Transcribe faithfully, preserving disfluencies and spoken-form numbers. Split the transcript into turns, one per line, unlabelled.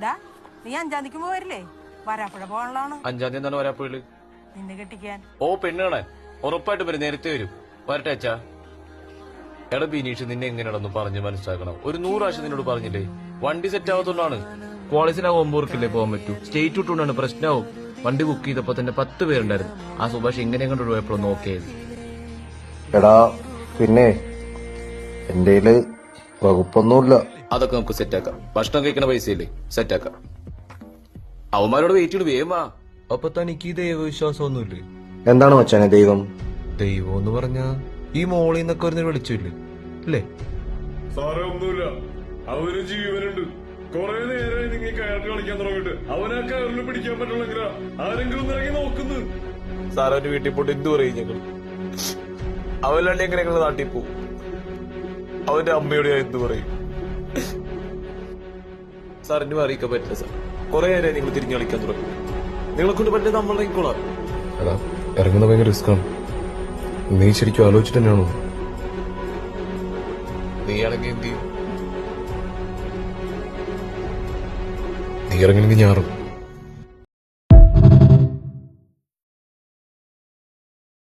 നീ അഞ്ചാം തീയതിക്ക് പോവരില്ലേ? വരാപ്പുഴ പോകാനുള്ളതാണ്.
അഞ്ചാം തീയതി എന്താണ് വരാപ്പുഴയില്?
നിന്നെ കെട്ടിക്കാൻ.
ഓ പെണ്ണ് കാണാൻ ഉറപ്പായിട്ട് വരും, നേരത്തെ വരും. വരട്ടെ അച്ഛാ. എടാ ബിനീഷ്, നിന്നെ എങ്ങനെയാണെന്ന് പറഞ്ഞ് മനസ്സിലാക്കണം. ഒരു നൂറ് പ്രാവശ്യം നിന്നോട് പറഞ്ഞില്ലേ, വണ്ടി സെറ്റ് ആവത്തോണ്ടാണ്. കോളേജിലാവുമ്പോ ഓർക്കില്ലേ പോകാൻ പറ്റൂ. സ്റ്റേറ്റ് വിട്ടുകൊണ്ടാണ് പ്രശ്നമാവും. വണ്ടി ബുക്ക് ചെയ്തപ്പോ തന്നെ പത്ത് പേരുണ്ടായിരുന്നു. ആ സുഭാഷ് ഇങ്ങനെ കണ്ടു പോയപ്പോഴും നോക്കിയത്.
എടാ പിന്നെ എന്റെ വകുപ്പൊന്നുമില്ല.
അതൊക്കെ നമുക്ക് സെറ്റാക്കാം. ഭക്ഷണം കഴിക്കണ പൈസയില്ലേ, സെറ്റാക്കാം. അവന്മാരോട് വെയിറ്റ് ചെയ്ത് വേമാ. അപ്പൊ തനിക്ക് ഈ ദൈവവിശ്വാസമൊന്നുമില്ലേ?
എന്താണ് മച്ചാനെ ദൈവം?
ദൈവം എന്ന് പറഞ്ഞാ ഈ മോളിൽ നിന്നൊക്കെ വരുന്ന വിളിച്ചില്ലേ അല്ലേ?
സാറേ ഒന്നുമില്ല, അവന് ജീവനുണ്ട്. കൊറേ നേരമായി നിങ്ങൾ കയറി കളിക്കാൻ തുടങ്ങിയിട്ട്. അവനാ കയറിൽ പിടിക്കാൻ പറ്റുള്ളെങ്കിലാ ആരെങ്കിലും ഇറങ്ങി നോക്കുന്നു.
സാർ അവന്റെ വീട്ടിൽ പോയിട്ട് എന്തു പറയും ഞങ്ങൾ? അവനല്ലേ എങ്ങനെ ഞങ്ങൾ നാട്ടിൽ പോവും? അവന്റെ അമ്മയോട് ഞാൻ എന്തു പറയും? സാറിന് അറിയിക്കാൻ പറ്റില്ല സാർ. കൊറേ നേരം നിങ്ങൾ തിരിഞ്ഞു കളിക്കാൻ തുടങ്ങി. നിങ്ങളെ കൊണ്ട് പറ്റില്ല, നമ്മൾ ഇറങ്ങിക്കോളാം.
എടാ ഇറങ്ങുന്ന ഭയങ്കര റിസ്ക്കാണ്. നീ ശരിക്കും ആലോചിച്ചിട്ട് തന്നെയാണോ?
നീ ആണെങ്കിൽ എന്ത് ചെയ്യും?
നീ ഇറങ്ങണമെങ്കിൽ ഞാറും